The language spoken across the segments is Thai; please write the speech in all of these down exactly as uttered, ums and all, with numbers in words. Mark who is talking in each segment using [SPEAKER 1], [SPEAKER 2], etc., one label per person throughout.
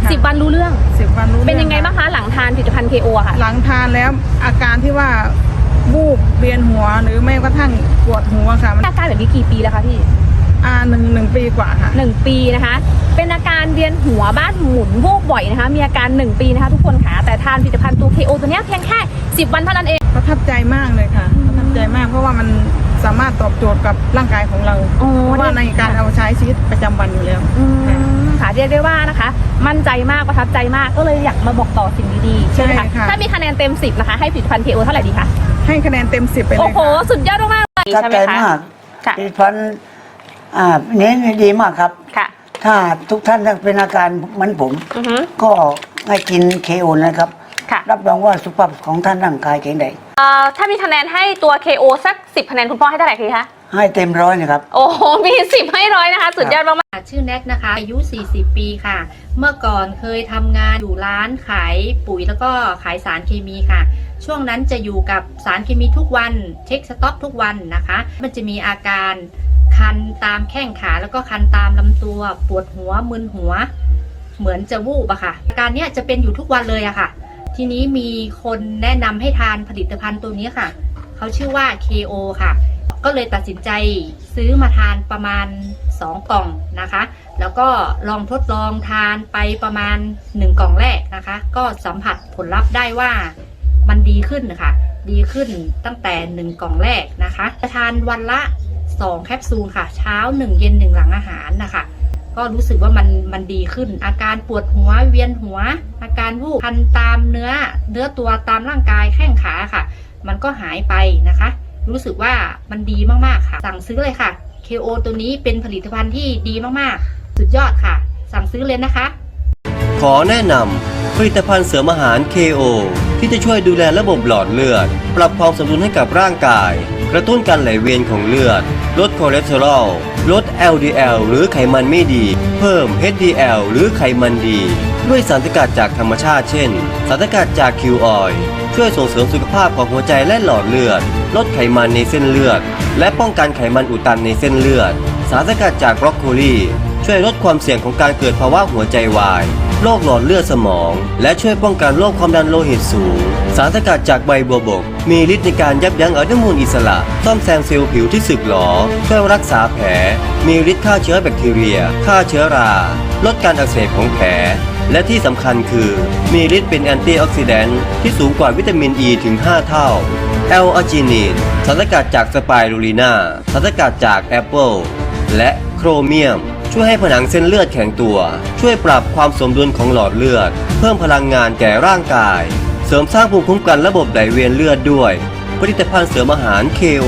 [SPEAKER 1] สิบวันรู้เรื่อง
[SPEAKER 2] สิบวันรู้
[SPEAKER 1] เป็นยังไงบ้างคะหลังทานผลิตภัณฑ์ เค โอ ค่ะ
[SPEAKER 2] หลังทานแล้วอาการที่ว่าบูบเวียนหัวหรือไม่กระทั่งปวดหัวค่ะ
[SPEAKER 1] อาการแบบนี้กี่ปีแล้วคะพี่
[SPEAKER 2] อ่าหนึ่งหนึ่งปีกว่าค่ะ
[SPEAKER 1] หนึ่งปีนะคะเป็นอาการเวียนหัวบ้านหมุนวูบบ่อยนะคะมีอาการหนึ่งปีนะคะทุกคนค่ะแต่ทานผลิตภัณฑ์ตัว เค โอ ตัวนี้เพียงแค่สิบวันเท่านั้นเอง
[SPEAKER 2] ประทับใจมากเลยค่ะประทับใจมากเพราะว่ามันสามารถตอบโจทย์กับร่างกายของเราเพราะว่าในการเอาใช้ชีวิตประจำวันอยู่แล้ว
[SPEAKER 1] ค่ะเรียกได้ว่านะคะมั่นใจมากประทับใจมากก็เลยอยากมาบอกต่อสิ่งดีๆใช่ไหมคะถ้ามีคะแนนเต็มสิบนะคะให้ผลิตภัณฑ์ เค โอ เท่าไหร่ดีคะ
[SPEAKER 2] ให้คะแนนเต็มสิบไปเลย
[SPEAKER 1] โอ้โหสุดยอดมากเลย
[SPEAKER 3] ใช่ไหมคะผลิตภัณฑ์อ่านี้ดีมากครับ
[SPEAKER 1] ค่ะ
[SPEAKER 3] ถ้าทุกท่านเป็นอาการเหมือนผมก็ให้กิน เค โอ นะครับรับรองว่าสุขภาพของท่านร่างกายแข็งแรง
[SPEAKER 1] ถ้ามีคะแนนให้ตัว เค โอ สักสิบคะแนนคุณพ่อให้เท่าไหร่คะ
[SPEAKER 3] ให้เต็มร้อยนะครับ
[SPEAKER 1] โอ้โหมีสิบให้ร้อยนะคะสุดยอดมาก
[SPEAKER 4] ชื่อแน็กนะคะอายุสี่สิบปีค่ะเมื่อก่อนเคยทำงานอยู่ร้านขายปุ๋ยแล้วก็ขายสารเคมีค่ะช่วงนั้นจะอยู่กับสารเคมีทุกวันเช็คสต็อกทุกวันนะคะมันจะมีอาการคันตามแข้งขาแล้วก็คันตามลำตัวปวดหัวมึนหัวเหมือนจะวูบอะค่ะอาการเนี้ยจะเป็นอยู่ทุกวันเลยอะค่ะทีนี้มีคนแนะนำให้ทานผลิตภัณฑ์ตัวนี้ค่ะเขาชื่อว่า เค โอ ค่ะก็เลยตัดสินใจซื้อมาทานประมาณสองกล่องนะคะแล้วก็ลองทดลองทานไปประมาณหนึ่งกล่องแรกนะคะก็สัมผัสผลลัพธ์ได้ว่ามันดีขึ้นค่ะดีขึ้นตั้งแต่หนึ่งกล่องแรกนะคะจะทานวันละสองแคปซูลค่ะเช้าหนึ่งเย็นหนึ่งหลังอาหารนะคะก็รู้สึกว่ามันมันดีขึ้นอาการปวดหัวเวียนหัวอาการวูบคันตามเนื้อเนื้อตัวตามร่างกายแข้งขาค่ะมันก็หายไปนะคะรู้สึกว่ามันดีมากๆค่ะสั่งซื้อเลยค่ะ เค โอ ตัวนี้เป็นผลิตภัณฑ์ที่ดีมากๆสุดยอดค่ะสั่งซื้อเลยนะคะ
[SPEAKER 5] ขอแนะนำผลิตภัณฑ์เสริมอาหาร เค โอ ที่จะช่วยดูแลระบบหลอดเลือดปรับความสมดุลให้กับร่างกายกระตุ้นการไหลเวียนของเลือดลดคอเลสเตอรอลลด แอล ดี แอล หรือไขมันไม่ดีเพิ่ม เอช ดี แอล หรือไขมันดีด้วยสารสกัดจากธรรมชาติเช่นสารสกัดจากคิวออยล์ช่วยส่งเสริมสุขภาพของหัวใจและหลอดเลือดลดไขมันในเส้นเลือดและป้องกันไขมันอุดตันในเส้นเลือดสารสกัดจากบรอกโคลีช่วยลดความเสี่ยงของการเกิดภาวะหัวใจวายโรคหลอดเลือดสมองและช่วยป้องกันโรคความดันโลหิตสูงสารสกัดจากใบบัวบกมีฤทธิ์ในการยับยั้งอนุมูลอิสระซ่อมแซมเซลล์ผิวที่สึกหรอช่วยรักษาแผลมีฤทธิ์ฆ่าเชื้อแบคทีเรียฆ่าเชื้อราลดการอักเสบของแผลและที่สำคัญคือมีฤทธิ์เป็นแอนตี้ออกซิแดนต์ที่สูงกว่าวิตามินอ e ีถึงห้าเท่าแอลอาจินีนสารสกัดจากสไปรูลินาสารสกัดจากแอปเปิลและโครเมียมช่วยให้ผนังเส้นเลือดแข็งตัวช่วยปรับความสมดุลของหลอดเลือดเพิ่มพลังงานแก่ร่างกายเสริมสร้างภูมิคุ้มกันระบบไหลเวียนเลือดด้วยผลิตภัณฑ์เสริมอาหาร เค โอ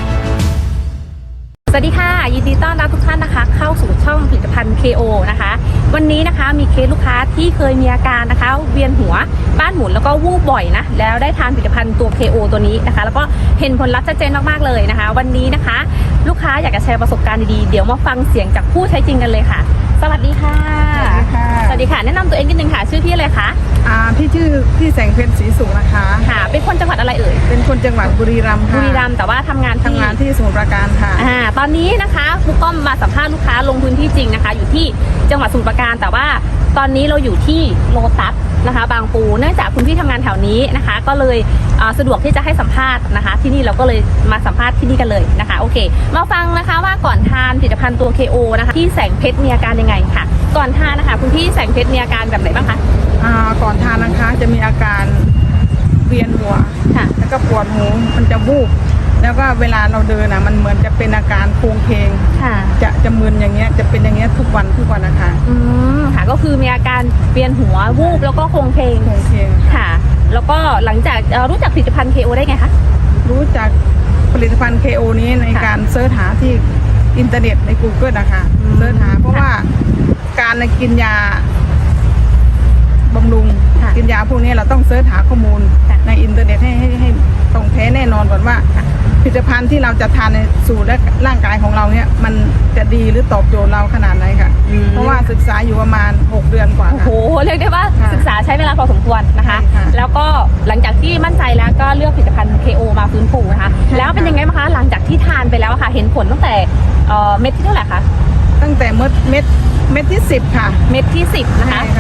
[SPEAKER 1] สวัสดีค่ะยินดีต้อนรับทุกท่านนะคะเข้าสู่ช่องผลิตภัณฑ์ เค โอ นะคะวันนี้นะคะมีเคสลูกค้าที่เคยมีอาการนะคะเวียนหัวบ้านหมุนแล้วก็วูบบ่อยนะแล้วได้ทานผลิตภัณฑ์ตัว เค โอ ตัวนี้นะคะแล้วก็เห็นผลลัพธ์ชัดเจนมากๆเลยนะคะวันนี้นะคะลูกค้าอยากจะแชร์ประสบการณ์ดีๆเดี๋ยวมาฟังเสียงจากผู้ใช้จริงกันเลยค่ะสวัสดีค่ะ
[SPEAKER 2] สวัสดีค่ะ
[SPEAKER 1] สวัสดีค่ะแนะนำตัวเองนิดนึงค่ะชื่อพี่อะไรคะ
[SPEAKER 2] อ่าพี่ชื่อพี่แสงเพชรศรีสุขนะคะ
[SPEAKER 1] ค่ะเป็นคนจังหวัดอะไรเอ่ย
[SPEAKER 2] เป็นคนจังหวัดบุรีรัมย์ค่ะ
[SPEAKER 1] บุรีรัมย์แต่ว่าทำงาน
[SPEAKER 2] ทำงานที่สมุทรปราการค่ะ
[SPEAKER 1] อ่าตอนนี้นะคะครูก้อมมาสัมภาษณ์ลูกค้าลงพื้นที่จริงนะคะอยู่ที่จังหวัดสมุทรปราการแต่ว่าตอนนี้เราอยู่ที่โลตัสนะคะบางปูเนื่องจากคุณพี่ทำงานแถวนี้นะคะก็เลยสะดวกที่จะให้สัมภาษณ์นะคะที่นี่เราก็เลยมาสัมภาษณ์ที่นี่กันเลยนะคะโอเคมาฟังนะคะว่าก่อนทานผลิตภัณฑ์ตัว เค โอ นะคะที่แสงเพชรมีอาการยังไงค่ะก่อนทานนะคะคุณพี่แสงเพชรมีอาการแบบไหนบ้างคะ
[SPEAKER 2] อ่าก่อนทานนะคะจะมีอาการเวียนหัว
[SPEAKER 1] ค่ะ
[SPEAKER 2] แล้วก็ปวดหูมันจะวูบแล้วก็เวลาเราเดินนะมันเหมือนจะเป็นอาการโครงเพลง
[SPEAKER 1] ค่ะ
[SPEAKER 2] จะจะมึนอย่างเงี้ยจะเป็นอย่างเงี้ยทุกวันทุกวันนะคะ
[SPEAKER 1] อืมค่ะก็คือมีอาการเวียนหัววูบแล้วก็โครงเพลง
[SPEAKER 2] โครงเพลง
[SPEAKER 1] ค่ะแล้วก็หลังจากรู้จักผลิตภัณฑ์ เค โอ ได้ไงคะ
[SPEAKER 2] รู้จักผลิตภัณฑ์ เค โอ นี้ในการเสิร์ชหาที่อินเทอร์เน็ตใน Google นะคะเสิร์ชหาเพราะว่าการกินยาบำรุงกินยาพวกนี้เราต้องเสิร์ชหาข้อมูลในอินเทอร์เน็ตให้ให้ให้ตรงแท้แน่นอนก่อนว่าผลิตภัณฑ์ที่เราจะทานในสู่และร่างกายของเราเนี่ยมันจะดีหรือตอบโจทย์เราขนาดไหนค่ะเพราะว่าศึกษาอยู่ประมาณหกเดือนกว่า
[SPEAKER 1] โอ้โหเรียกได้ว่าศึกษาใช้เวลาพอสมควรนะคะแล้วก็หลังจากที่มั่นใจแล้วก็เลือกผลิตภัณฑ์ เค โอ มาฟื้นฟูนะคะแล้วเป็นยังไงบ้างคะหลังจากที่ทานไปแล้วค่ะเห็นผลตั้งแต่เม็ดที่เท่าไหร่คะ
[SPEAKER 2] ตั้งแต่เม็ดเม็ดเม็ดที่สิบค่ะ
[SPEAKER 1] เม็ดที่สิบนะคะ
[SPEAKER 2] ค่ะ
[SPEAKER 1] โ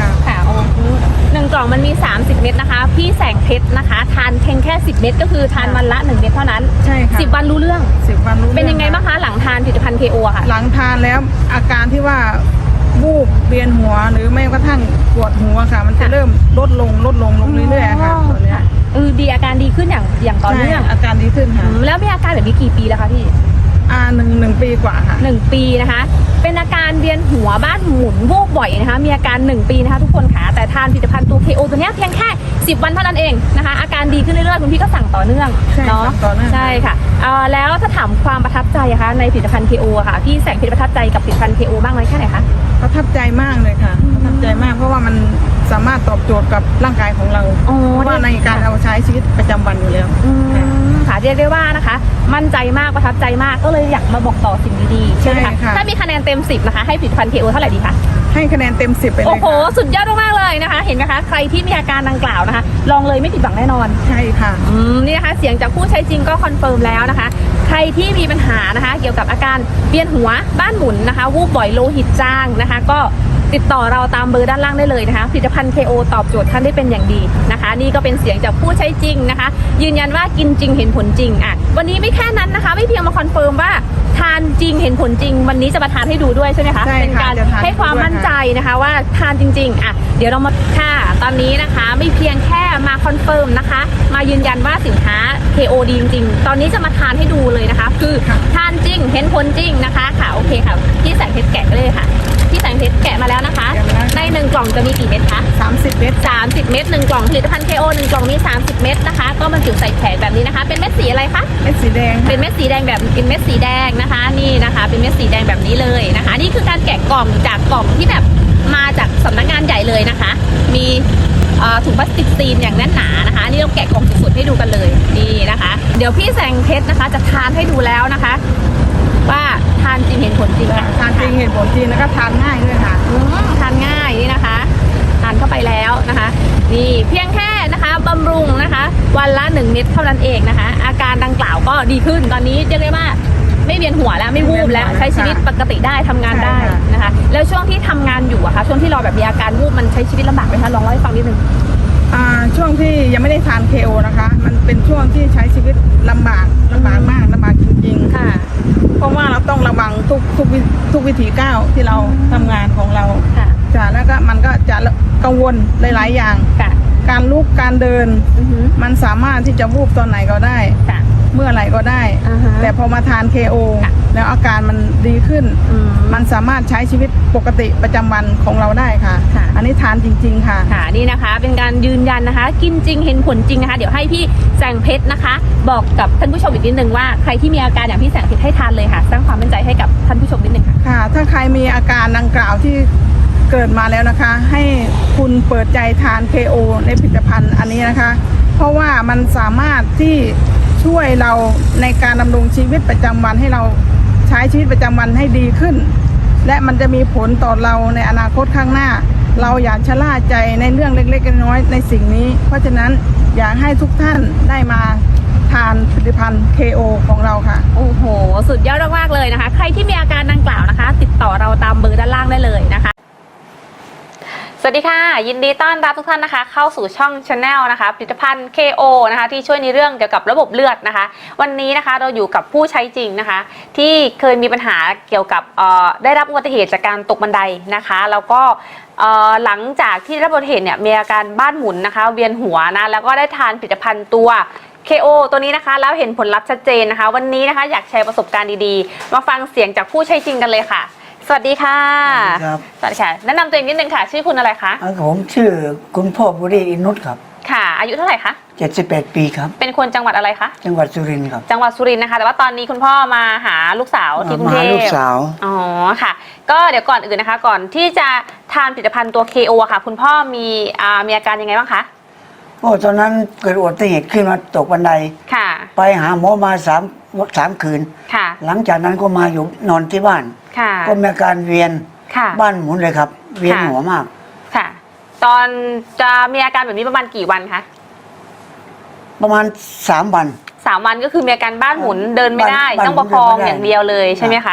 [SPEAKER 1] โอ้โหหนึ่งกล่องมันมีสามสิบเม็ดนะคะพี่แสงเพชรนะคะทานเพียงแค่สิบเม็ดก็คือทานวันละหนึ่งเม็ดเท่านั้น
[SPEAKER 2] ใช่ค่ะ
[SPEAKER 1] สิบวันรู้เรื่อง
[SPEAKER 2] สิบวันรู้
[SPEAKER 1] เป็นยังไง
[SPEAKER 2] รื่อ
[SPEAKER 1] บ้างคะหลังทานผลิตภัณฑ์ เค โอ อะค่ะ
[SPEAKER 2] หลังทานแล้วอาการที่ว่าบูบเวียนหัวหรือไม่กระทั่งปวดหัวค่ะ มันจะ
[SPEAKER 1] ค่ะ
[SPEAKER 2] เริ่มลดลงลดลงลงเรื่อยๆค่ะตอนเนี้ย
[SPEAKER 1] เออดีอาการดีขึ้นอย่างอย่างต่อเนื่อง
[SPEAKER 2] ใช่อาการดีขึ้น
[SPEAKER 1] อื
[SPEAKER 2] ค่ะ
[SPEAKER 1] มแล้วมีอาการแบบนี้กี่ปีแล้วคะพี่
[SPEAKER 2] อ่าหนึ่งหนึ่งปีกว่าค่ะ
[SPEAKER 1] หนึ่งปีนะคะ เป็นอาการเวียนหัวบ้านหมุนวูบบ่อยนะคะ มีอาการหนึ่งปีนะคะทุกคนค่ะ แต่ทานผลิตภัณฑ์ตัว เค โอ ตัวเนี้ยเพียงแค่สิบวันเท่านั้นเองนะคะ อาการดีขึ้นเรื่อยๆคุณพี่ก็สั่งต่อเนื่อง
[SPEAKER 2] ใช่
[SPEAKER 1] เนาะ
[SPEAKER 2] สั่งต่อเนื่อง
[SPEAKER 1] ใช่ค่ะเอ่อแล้วถ้าถามความประทับใจอะคะในผลิตภัณฑ์ เค โอ อะค่ะ พี่แสงเพชรประทับใจกับผลิตภัณฑ์ เค โอ บ้างไหมแค่ไหนคะ
[SPEAKER 2] ประทับใจมากเลยค่ะประทับใจมากเพราะว่ามันสามารถตอบโจทย์กับร่างกายของเรา
[SPEAKER 1] อ๋อ
[SPEAKER 2] เพราะว่าในการเอาใช้ชีวิตประจำวันอยู่แล้ว
[SPEAKER 1] อืมค่ะเรียกได้ว่านะคะ มั่นใจมากประทับใจมากก็เลยอยากมาบอกต่อสิ่งดีๆใช่ไหม
[SPEAKER 2] ใช่
[SPEAKER 1] คะ
[SPEAKER 2] ค่ะ
[SPEAKER 1] ถ้ามีคะแนนเต็มสิบนะคะให้ผลิตภัณฑ์ เค โอ เท่าไหร่ดีคะ
[SPEAKER 2] ให้คะแนนเต็มสิบไปเล
[SPEAKER 1] โอ้
[SPEAKER 2] ย
[SPEAKER 1] โห
[SPEAKER 2] ค่ะ
[SPEAKER 1] สุดยอดมากๆเลยนะคะ เห็นไหมคะ ใครที่มีอาการดังกล่าวนะคะ ลองเลยไม่ผิดหวังแน่นอน
[SPEAKER 2] ใช่ค่ะ
[SPEAKER 1] อืมนี่นะคะ เสียงจากผู้ใช้จริงก็คอนเฟิร์มแล้วนะคะ ใครที่มีปัญหานะคะ เกี่ยวกับอาการเวียนหัวบ้านหมุนนะคะ วูบบ่อยโลหิตจางนะคะ ก็ติดต่อเราตามเบอร์ด้านล่างได้เลยนะคะ ผลิตภัณฑ์ เค โอ ตอบโจทย์ท่านได้เป็นอย่างดีนะคะ นี่ก็เป็นเสียงจากผู้ใช้จริงนะคะ ยืนยันว่ากินจริงเห็นผลจริงอ่ะวันนี้ไม่แค่นั้นนะคะ ไม่เพียงมาคอนเฟิร์มว่าทานจริงเห็นผลจริง วันนี้จะมาทานให้ดูด้วยใช่ไหมคะ
[SPEAKER 2] ใช่ค่ะ
[SPEAKER 1] เป็นการ
[SPEAKER 2] จะทาน
[SPEAKER 1] ให้ความ
[SPEAKER 2] ด้วย
[SPEAKER 1] มั่น
[SPEAKER 2] ค่ะ
[SPEAKER 1] ใจนะคะว่าทานจริงๆอ่ะเดี๋ยวเรามาค่ะตอนนี้นะคะไม่เพียงแค่มาคอนเฟิร์มนะคะ มายืนยันว่าสินค้า เค โอ ดีจริงๆ ตอนนี้จะมาทานให้ดูเลยนะคะ คือทานจริงเห็นผลจริงนะคะค่ะโอเคค่ะพี่แสงเพชรแกะเลยค่ะพี่แสงเพชรแกะมาแล้วนะคะ
[SPEAKER 2] แกะมาแล้ว
[SPEAKER 1] ในหนึ่งกล่องจะมีกี่เม็ดคะ
[SPEAKER 2] สามสิบเมตร
[SPEAKER 1] สามสิบเม็ดหนึ่งกล่องผลิตภัณฑ์ เค โอ หนึ่งกล่องมีสามสิบเม็ดนะคะ ก็บรรจุใส่แผงแบบนี้นะคะ เป็นเม็ดสีอะไรคะ
[SPEAKER 2] เม็ดสีแดง
[SPEAKER 1] เป็นเม็ดสีแดงแบบเป็นเม็ดสีแดงนะคะ นี่นะคะ เป็นเม็ดสีแดงแบบนี้เลยนะคะ นี่คือการแกะกล่องจากกล่องที่แบบมาจากสำนักงานใหญ่เลยนะคะ มีเอ่อถุงพลาสติกซีนอย่างแน่นหนานะคะนี่เราแกะกล่องสุดๆให้ดูกันเลยนี่นะคะ เดี๋ยวพี่แสงเพชรนะคะ จะทานให้ดูแล้วนะคะ ว่าทานจริงเห็นผลจริงค่ะ
[SPEAKER 2] ทานจริงเห็นผลจริงแล้วก็ทานง่ายด้วยค่ะ
[SPEAKER 1] อืมทานง่ายนี่นะคะทานเข้าไปแล้วนะคะ นี่เพียงแค่นะคะบำรุงนะคะ วันละหนึ่งเม็ดเท่านั้นเองนะคะ อาการดังกล่าวก็ดีขึ้นตอนนี้เรียกได้ว่าไม่เวียนหัวแล้วไม่วูบแล้วใช้ชีวิตปกติได้ทำงานได้
[SPEAKER 2] ใช่ค่ะ
[SPEAKER 1] นะคะ แล้วช่วงที่ทำงานอยู่อะคะช่วงที่เราแบบมีอาการวูบมันใช้ชีวิตลำบากไหมคะลองเล่าให้ฟังนิดนึง
[SPEAKER 2] อ่าช่วงที่ยังไม่ได้ทาน เค โอ นะคะ มันเป็นช่วงที่ใช้ชีวิตลำบากลำบากมากลำบากจริงๆ
[SPEAKER 1] ค่ะ
[SPEAKER 2] เพราะว่าเราต้องระวังทุกทุกวิทุกวิถีก้าวที่เราทำงานของเรา
[SPEAKER 1] ค่ะ
[SPEAKER 2] จ้ะแล้วก็มันก็จะกังวลหลายๆอย่าง
[SPEAKER 1] ค่ะ
[SPEAKER 2] การลุกการเดิน
[SPEAKER 1] อือหือ
[SPEAKER 2] มันสามารถที่จะวูบตอนไหนก็ได้
[SPEAKER 1] ค่ะ
[SPEAKER 2] เมื่อไหร่ก็ได้
[SPEAKER 1] อ่าฮะ
[SPEAKER 2] แต่พอมาทาน เค โอ
[SPEAKER 1] ค่ะ
[SPEAKER 2] แล้วอาการมันดีขึ้น
[SPEAKER 1] อืม
[SPEAKER 2] มันสามารถใช้ชีวิตปกติประจำวันของเราได้ค่ะ
[SPEAKER 1] ค่ะ
[SPEAKER 2] อันนี้ทานจริง ๆ ค่ะ
[SPEAKER 1] ค่ะนี่นะคะเป็นการยืนยันนะคะ กินจริงเห็นผลจริงนะคะ เดี๋ยวให้พี่แสงเพชรนะคะ บอกกับท่านผู้ชมอีกนิดนึงว่าใครที่มีอาการอย่างพี่แสงเพชรให้ทานเลยค่ะสร้างความมั่นใจให้กับท่านผู้ชมนิดนึงค่ะ
[SPEAKER 2] ค่ะ ถ้าใครมีอาการดังกล่าวที่เกิดมาแล้วนะคะ ให้คุณเปิดใจทาน เค โอ ในผลิตภัณฑ์อันนี้นะคะ เพราะว่ามันสามารถที่ช่วยเราในการดำรงชีวิตประจำวันให้เราใช้ชีวิตประจำวันให้ดีขึ้น และมันจะมีผลต่อเราในอนาคตข้างหน้า เราอย่าชะล่าใจในเรื่องเล็กๆน้อยๆในสิ่งนี้ เพราะฉะนั้นอยากให้ทุกท่านได้มาทานผลิตภัณฑ์ เค โอ ของเราค่ะ
[SPEAKER 1] โอ้โห สุดยอดมากๆเลยนะคะ ใครที่มีอาการดังกล่าวนะคะ ติดต่อเราตามเบอร์ด้านล่างได้เลยนะคะ สวัสดีค่ะ ยินดีต้อนรับทุกท่านนะคะ เข้าสู่ช่อง Channel นะคะผลิตภัณฑ์ เค โอ นะคะที่ช่วยในเรื่องเกี่ยวกับระบบเลือดนะคะ วันนี้นะคะเราอยู่กับผู้ใช้จริงนะคะ ที่เคยมีปัญหาเกี่ยวกับเอ่อได้รับอุบัติเหตุจากการตกบันไดนะคะแล้วก็เอ่อหลังจากที่ได้รับอุบัติเหตุเนี่ยมีอาการบ้านหมุนนะคะเวียนหัวนะแล้วก็ได้ทานผลิตภัณฑ์ตัว เค โอ ตัวนี้นะคะแล้วเห็นผลลัพธ์ชัดเจนนะคะ วันนี้นะคะอยากแชร์ประสบการณ์ดีๆมาฟังเสียงจากผู้ใช้จริงกันเลยค่ะ สวัสดีค่ะ
[SPEAKER 3] สวัสดีครับ
[SPEAKER 1] สวัสดีค่ะแนะนำตัวเองนิดนึงค่ะชื่อคุณอะไรคะ
[SPEAKER 3] อ่าผมชื่อคุณพ่อบุรีอินุตครับ
[SPEAKER 1] ค่ะ อายุเท่าไหร่คะ
[SPEAKER 3] เจ็ดสิบแปดปีครับ
[SPEAKER 1] เป็นคนจังหวัดอะไรคะ
[SPEAKER 3] จังหวัดสุรินทร์ครับ
[SPEAKER 1] จังหวัดสุรินทร์นะคะ แต่ว่าตอนนี้คุณพ่อมาหาลูกสาวที่กรุง
[SPEAKER 3] มา
[SPEAKER 1] เท
[SPEAKER 3] หา
[SPEAKER 1] พ
[SPEAKER 3] ลูกสาว
[SPEAKER 1] อ๋อค่ะ ก็เดี๋ยวก่อนอื่นนะคะ ก่อนที่จะทานผลิตภัณฑ์ตัว เค โอ ค่ะ คุณพ่อมีอ่ามีอาการยังไงบ้างคะ
[SPEAKER 3] โอ้ตอนนั้นเกิดอุบัติเหตุขึ้นมาตกบันได
[SPEAKER 1] ค่ะ
[SPEAKER 3] ไปหาหมอมาสามสามคืน
[SPEAKER 1] ค่ะ
[SPEAKER 3] หลังจากนั้นก็มาอยู่นอนที่บ้าน
[SPEAKER 1] ค่ะ
[SPEAKER 3] ก็มีอาการเวียน
[SPEAKER 1] ค่ะ
[SPEAKER 3] บ้านหมุนเลยครับ เวียนหัวมาก
[SPEAKER 1] ค่ะ ตอนจะมีอาการแบบนี้ประมาณกี่วันคะ
[SPEAKER 3] ประมาณสามวัน
[SPEAKER 1] สามวันก็คือมีอาการบ้านหมุนเดินไม่ได้
[SPEAKER 3] บ้าน
[SPEAKER 1] ต้องประคอง
[SPEAKER 3] บ้านหมุนเดินไม่ได้
[SPEAKER 1] อย่างเดียวเลยใช่ไหมคะ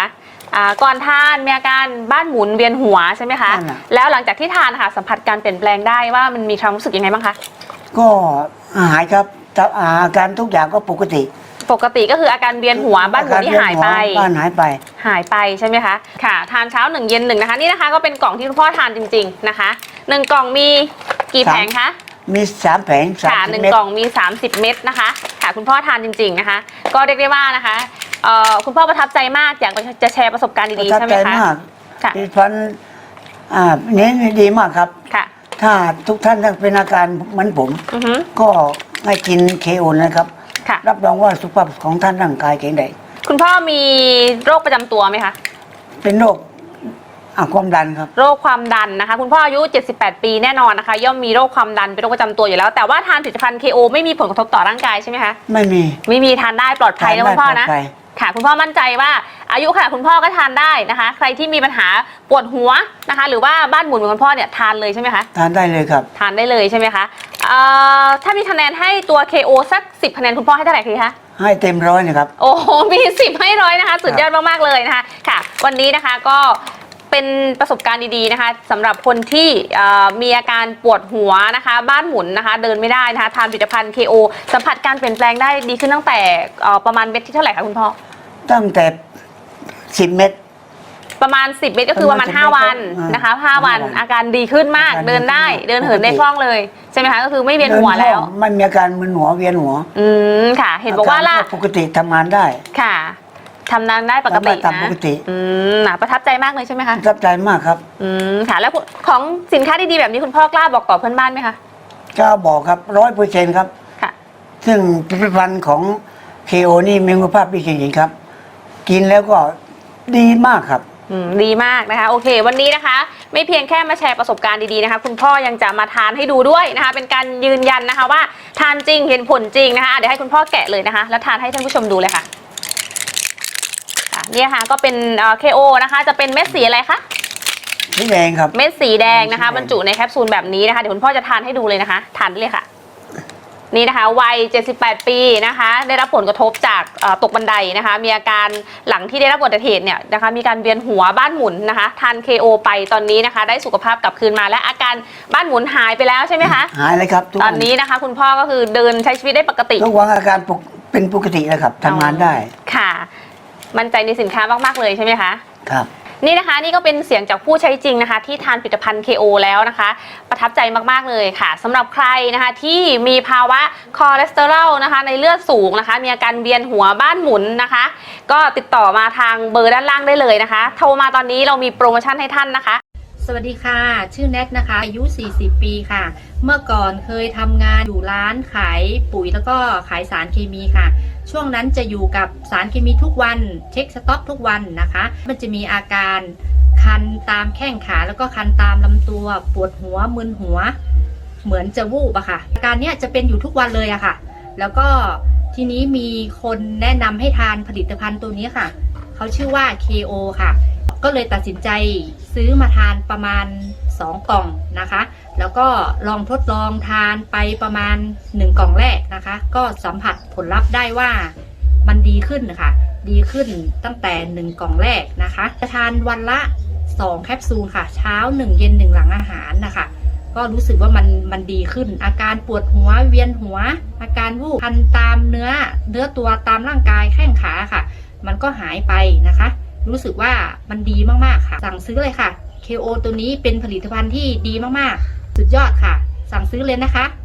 [SPEAKER 1] อ่าก่อนทานมีอาการบ้านหมุนเวียนหัวใช่ไหมคะ
[SPEAKER 3] นั่นน่ะ
[SPEAKER 1] แล้วหลังจากที่ทานค่ะสัมผัสการเปลี่ยนแปลงได้ว่ามันมีความรู้สึกยังไงบ้างคะ
[SPEAKER 3] ก็หายครับแต่อาการทุกอย่างก็ปกติ
[SPEAKER 1] ปกติก็คืออาการเวียนหัวบ้านหมุนที่หายไป
[SPEAKER 3] บ้านหายไป
[SPEAKER 1] หายไปใช่ไหมคะค่ะทานเช้าหนึ่งเย็นหนึ่งนะคะนี่นะคะก็เป็นกล่องที่คุณพ่อทานจริงๆนะคะหนึ่งกล่องมีกี่แผงคะ
[SPEAKER 3] มีสามแผงสาม
[SPEAKER 1] ค่ะ
[SPEAKER 3] สิบ
[SPEAKER 1] หนึ่ง
[SPEAKER 3] เม็ด
[SPEAKER 1] กล่องมีสามสิบเม็ดนะคะค่ะคุณพ่อทานจริงๆนะคะ ก็เรียกได้ว่านะคะเอ่อคุณพ่อประทับใจมากอยากจะแชร์ประสบการณ์
[SPEAKER 3] ประ
[SPEAKER 1] ดีๆ
[SPEAKER 3] ทับ
[SPEAKER 1] ใช่ไห
[SPEAKER 3] ใจ
[SPEAKER 1] มคะ
[SPEAKER 3] มาก
[SPEAKER 1] ค่ะ
[SPEAKER 3] ผลิตภัณฑ์อ่านี้ดีมากครับ
[SPEAKER 1] ค่ะ
[SPEAKER 3] ถ้าทุกท่านเป็นอาการเหมือนผม
[SPEAKER 1] อือฮึ
[SPEAKER 3] ก็ให้กินเคโอนะครับ
[SPEAKER 1] ค่ะ
[SPEAKER 3] รับรองว่าสุขภาพของท่านร่างกายแข็งแรง
[SPEAKER 1] คุณพ่อมีโรคประจำตัวไหมคะ
[SPEAKER 3] เป็นโรคอ่ะความดันครับ
[SPEAKER 1] โรคความดันนะคะคุณพ่ออายุเจ็ดสิบแปดปีแน่นอนนะคะย่อมมีโรคความดันเป็นโรคประจำตัวอยู่แล้วแต่ว่าทานผลิตภัณฑ์ เค โอ ไม่มีผลกระทบต่อร่างกายใช่ไหมคะ
[SPEAKER 3] ไม่มี
[SPEAKER 1] ไม่มีทานได้ปลอดภัยนะคุณพ่อนะ
[SPEAKER 3] ทานได้ปลอดภัย
[SPEAKER 1] ค่ะคุณพ่อมั่นใจว่าอายุขนาดคุณพ่อก็ทานได้นะคะ ใครที่มีปัญหาปวดหัวนะคะ หรือว่าบ้านหมุนเหมือนคุณพ่อเนี่ยทานเลยใช่ไหมคะ
[SPEAKER 3] ทานได้เลยครับ
[SPEAKER 1] ทานได้เลยใช่ไหมคะเอ่อถ้ามีคะแนนให้ตัว เค โอ สักสิบคะแนนคุณพ่อให้เท่าไหร่คะ
[SPEAKER 3] ให้เต็มร้อยนะครับ
[SPEAKER 1] โอ้โหมีสิบให้ร้อยนะคะสุดยอดมากๆเลยนะคะค่ะ วันนี้นะคะก็เป็นประสบการณ์ดีๆนะคะสำหรับคนที่เอ่อมีอาการปวดหัวนะคะ บ้านหมุนนะคะ เดินไม่ได้นะคะทานผลิตภัณฑ์ เค โอ สัมผัสการเปลี่ยนแปลงได้ดีขึ้นตั้งแต่เอ่อประมาณเม็ดที่เท่าไหร่คะคุณพ่อ
[SPEAKER 3] ตั้งแต่สิบเม็ด
[SPEAKER 1] ประมาณสิบเม็ดก็คือประมาณ
[SPEAKER 3] ประมาณ
[SPEAKER 1] ห้าวัน
[SPEAKER 3] อ่าน
[SPEAKER 1] นะคะห้าวัน
[SPEAKER 3] ห้าวัน
[SPEAKER 1] อาการดีขึ้นมาก
[SPEAKER 3] อาการ
[SPEAKER 1] เดินได้
[SPEAKER 3] ดีขึ้น
[SPEAKER 1] เดินเหิน
[SPEAKER 3] ปกติ
[SPEAKER 1] ได้คล่องเลยใช่ไหมคะก็คือไม่เวียนหัว
[SPEAKER 3] ดิ
[SPEAKER 1] แล้ว
[SPEAKER 3] คองไม่มีอาการมึนหัวเวียนหัว
[SPEAKER 1] อืมค่ะ เห็นบอกว่าล่ะ
[SPEAKER 3] รปกติทำงานได้
[SPEAKER 1] ค่ะทำงานได้ปกติ
[SPEAKER 3] ทำได้ตาม
[SPEAKER 1] นะ
[SPEAKER 3] ปกติ
[SPEAKER 1] อืมน่ะประทับใจมากเลยใช่ไหมคะ
[SPEAKER 3] ประทับใจมากครับ
[SPEAKER 1] อืมค่ะแล้วของสินค้าดีๆแบบนี้คุณพ่อกล้าบอกต่อเพื่อนบ้านไหมคะ
[SPEAKER 3] ก็บอกครับร้อยเปอร์เซ็นต์ครับ
[SPEAKER 1] ค่ะ
[SPEAKER 3] ซึ่งผลิตภัณฑ์ของ เค โอ นี่มีคุณภาพดีจริงๆครับ กินแล้วก็ดีมากครับ
[SPEAKER 1] อืมดีมากนะคะโอเค วันนี้นะคะ ไม่เพียงแค่มาแชร์ประสบการณ์ดีๆนะคะ คุณพ่อยังจะมาทานให้ดูด้วยนะคะ เป็นการยืนยันนะคะว่าทานจริงเห็นผลจริงนะคะอ่ะเดี๋ยวให้คุณพ่อแกะเลยนะคะ แล้วทานให้ท่านผู้ชมดูเลยค่ะอ่ะเนี่ยค่ะก็เป็นเอ่อ เค โอ นะคะจะเป็นเม็ดสีอะไรคะ
[SPEAKER 3] สีแดงครับ
[SPEAKER 1] เม็ดสีแดงนะคะ
[SPEAKER 3] สีแดง
[SPEAKER 1] บรรจุในแคปซูลแบบนี้นะคะเดี๋ยวคุณพ่อจะทานให้ดูเลยนะคะทานได้เลยค่ะนี่นะคะวัยเจ็ดสิบแปดปีนะคะได้รับผลกระทบจากเอ่อตกบันไดนะคะมีอาการหลังที่ได้รับอุบัติเหตุเนี่ยนะคะมีการเวียนหัวบ้านหมุนนะคะทาน เค โอ ไปตอนนี้นะคะได้สุขภาพกลับคืนมาและอาการบ้านหมุนหายไปแล้วใช่ไหมคะ
[SPEAKER 3] หายเลยครับทุก
[SPEAKER 1] ต
[SPEAKER 3] วั
[SPEAKER 1] อนนี้นะคะคุณพ่อก็คือเดินใช้ชีวิตได้ปกติ
[SPEAKER 3] ทุกวันอาการปกเป็นปกติแล้วครับทำงานได้
[SPEAKER 1] ค่ะ มั่นใจในสินค้ามากๆเลยใช่ไหมคะ
[SPEAKER 3] ครับ
[SPEAKER 1] นี่นะคะนี่ก็เป็นเสียงจากผู้ใช้จริงนะคะที่ทานผลิตภัณฑ์ เค โอ แล้วนะคะประทับใจมากๆเลยค่ะสำหรับใครนะคะที่มีภาวะคอเลสเตอรอลนะคะในเลือดสูงนะคะมีอาการเวียนหัวบ้านหมุนนะคะ ก็ติดต่อมาทางเบอร์ด้านล่างได้เลยนะคะ โทรมาตอนนี้เรามีโปรโมชั่นให้ท่านนะคะ
[SPEAKER 4] สวัสดีค่ะ ชื่อแนทนะคะ อายุ สี่สิบ ปีค่ะ เมื่อก่อนเคยทำงานอยู่ร้านขายปุ๋ยแล้วก็ขายสารเคมีค่ะ ช่วงนั้นจะอยู่กับสารเคมีทุกวันเช็คสต็อกทุกวันนะคะ มันจะมีอาการคันตามแข้งขาแล้วก็คันตามลำตัวปวดหัวมึนหัว เหมือนจะวูบอะค่ะอาการเนี้ยจะเป็นอยู่ทุกวันเลยอะค่ะ แล้วก็ทีนี้มีคนแนะนำให้ทานผลิตภัณฑ์ตัวนี้ค่ะเขาชื่อว่า เค โอ ค่ะ ก็เลยตัดสินใจซื้อมาทานประมาณสองกล่องนะคะ แล้วก็ลองทดลองทานไปประมาณหนึ่งกล่องแรกนะคะ ก็สัมผัสผลลัพธ์ได้ว่ามันดีขึ้นนะคะดีขึ้นตั้งแต่หนึ่งกล่องแรกนะคะจะทานวันละสองแคปซูลค่ะ เช้าหนึ่งเย็นหนึ่งหลังอาหารนะคะ ก็รู้สึกว่ามันมันดีขึ้น อาการปวดหัวเวียนหัว อาการวูบคันตามเนื้อเนื้อตัวตามร่างกายแข้งขาค่ะ มันก็หายไปนะคะ รู้สึกว่ามันดีมากๆค่ะสั่งซื้อเลยค่ะ เค โอ ตัวนี้เป็นผลิตภัณฑ์ที่ดีมากๆสุดยอดค่ะสั่งซื้อเลยนะคะ